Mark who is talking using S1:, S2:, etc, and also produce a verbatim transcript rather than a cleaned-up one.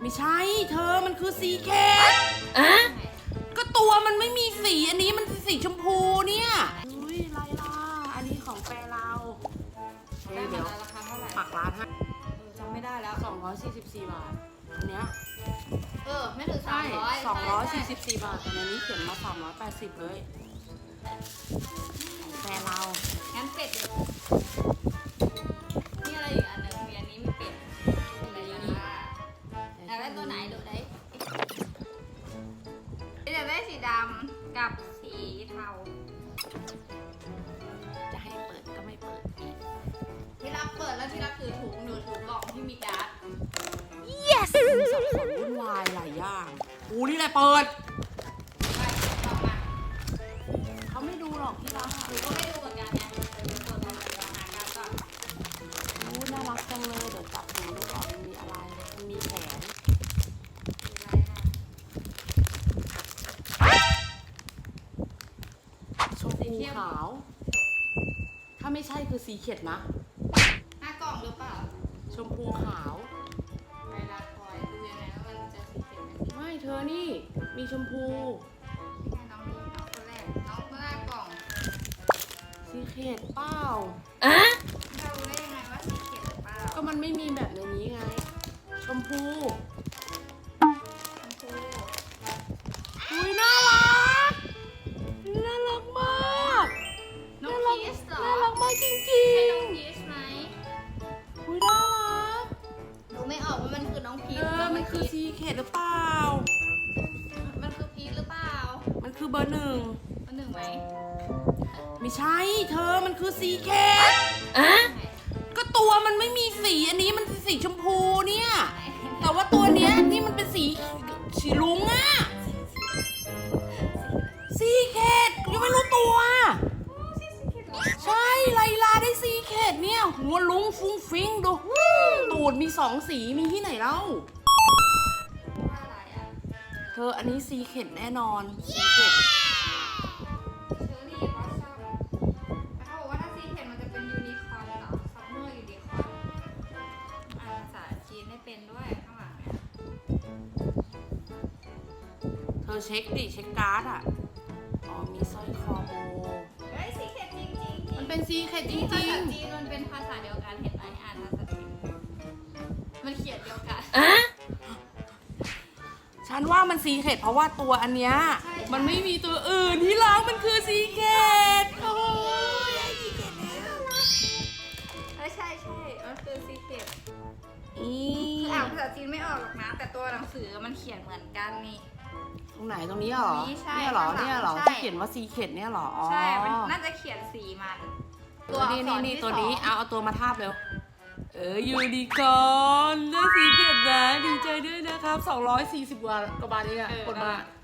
S1: ไม่ใช่เธอมันคือซีเคทอะก็ตัวมันไม่มีสีอันนี้มันสีชมพูเนี่ยอุ้ยไรล่ะอันนี้ของแฟนเราได้เดี๋ยว
S2: ราคาเท่าไหร่
S1: ปักร้านให้
S2: จำไม่ได้แล้ว
S1: สองร้อยสี่สิบสี่บาทอันเนี้ย
S2: เออไม่ถึงสา
S1: ใช่
S2: มร้อย
S1: สองร้อยสี่สิบสี่บาทแต่ในนี้เขียนมาสามร้อยแปดสิบเลยของแฟนเรา
S2: งั้นเป็ดนี่อะไรอีกอันหนึ่งมีอันนี้มีเป็ดอะไรอย่างนี้อยากได้ตัวไหนดูได้อยากได้สีดำกับสีเทา
S1: จะให้เปิดก็ไม่เปิด
S2: ที่รักเปิดแล้วที่รักถือถุงหนูถือกล่องที่มีการ์ด
S1: yes สับสนวุ่นวายหลายอย่างกูนี่แหละเปิด
S2: ไปกล่องมา
S1: เขาไม่ดูหรอกที่รัก
S2: หนูก็ไม่ดูเหมือนกันเนี่ยเดี๋ยวเปิดมาเดี๋ยวหาการ์ดก่อน
S1: โอ้น่ารักจังเลยเดี๋ยวจับหูดูก่อนมันมีอะไรมันมีแผนชมพูขาว ถ้าไม่ใช่คือสีเขียดนะ
S2: หน้ากล่องหรือเปล่า
S1: ชมพูขาว
S2: ไปรักคอยดูยังไงว่ามันจะสีเขียวไหม
S1: ไม่เธอนี่ มีชมพู
S2: พี่ให้น้องนี่น้องคนแรกน้องหน้ากล่อง
S1: สีเขียดเปล่า
S2: เรารู้ได้ยังไงว่าสีเขียวหรือเปล่า
S1: ก็มันไม่มีแบบในนี้ไง ชมพู
S2: ชมพู
S1: อุ้ยน่ารัก น่ารักมาก
S2: น้องพีชเหรอ
S1: น่ารักมากจริง
S2: ใช่น้องพีชไหม
S1: ๆอุ้ยน่ารัก
S2: ดูไม่ออกว่ามันคือน้องพี
S1: เอ
S2: ช
S1: อ
S2: หรือ
S1: มันคือ
S2: พีช
S1: ซีเขียดหรือเปล่า
S2: มันคือพีชหรือเปล่า
S1: มันคือเบอร์หนึ่ง
S2: มันหนึ่งไหม
S1: ไม่ใช่เธอมันคือซีเคทก็ตัวมันไม่มีสีอันนี้มันสีชมพูเนี่ย แต่ว่าตัวเนี้ยนี่มันเป็นสีสีลุงอะซีเคทยังไม่รู้ตัว ใช่ไลลาได้ซีเคทเนี่ยหัวลุงฟุ้งฟิ้งดูตูดมีสองสีมีที่ไหนเล่า
S2: ว่าอะไรอ่ะ
S1: เธออันนี้ซีเคทแน่นอนซีเคท
S2: เชอรี่บอสซัมแต่เขาบอกว่าถ้าสีเขียวมันจะเป็นยูนิคอร์นเหรอซัมเมอร์ยูนิคอร์นอ่านภาษาจีนได้เป็นด้วยข้างหลังเนี่ย
S1: เธอเช็คดิเช็คการ์ดอ่ะอ๋อมีสร้อยคอโบ
S2: เฮ้ยสีเขียวจริงจริงจริ
S1: มัน
S2: ง
S1: เป็นซีเคทจ
S2: ภา
S1: ริ
S2: ษาง จีนมันเป็นภาษาเดียวกันเห็นไหมอ่านภาษาจีนมันเขียนเดียวกัน
S1: ๆ ฉันว่ามันซีเคทเพราะว่าตัวอันเนี้ย
S2: ใช่
S1: มันไม่มีตัวอื่นที่ล้างมันคือซีเคทโอ้ยได้ซีเคทแล้ว
S2: เออใช่ใช่มันคือซีเขียว
S1: อี
S2: คืออ่านภาษาจีนไม่ออกหรอกนะ แต่ตัวหนังสือมันเขียนเหมือนกันนี่
S1: ตรงไหนตรงนี้เหรอ
S2: ตรงนี้ใช่
S1: เนี่ยเหรอ
S2: ข้างหลัง
S1: เนี่ยเหรอ
S2: ใช่
S1: ที่เขียนว่าซีเคทเนี่ยเหรออ๋อ
S2: ใช่ มันน่าจะเขียนสีมัน
S1: ตัวนี้
S2: อั
S1: นี่
S2: กษร
S1: นี่ตัว
S2: ที่
S1: นี้
S2: สอง
S1: เอาเอาตัวมาทาบเร็วเออยูนิคอร์นได้ซีเคทนะดีใจด้วยนะครับสองร้อยสี่สิบกว่าบาทเองอะคนมา
S2: เ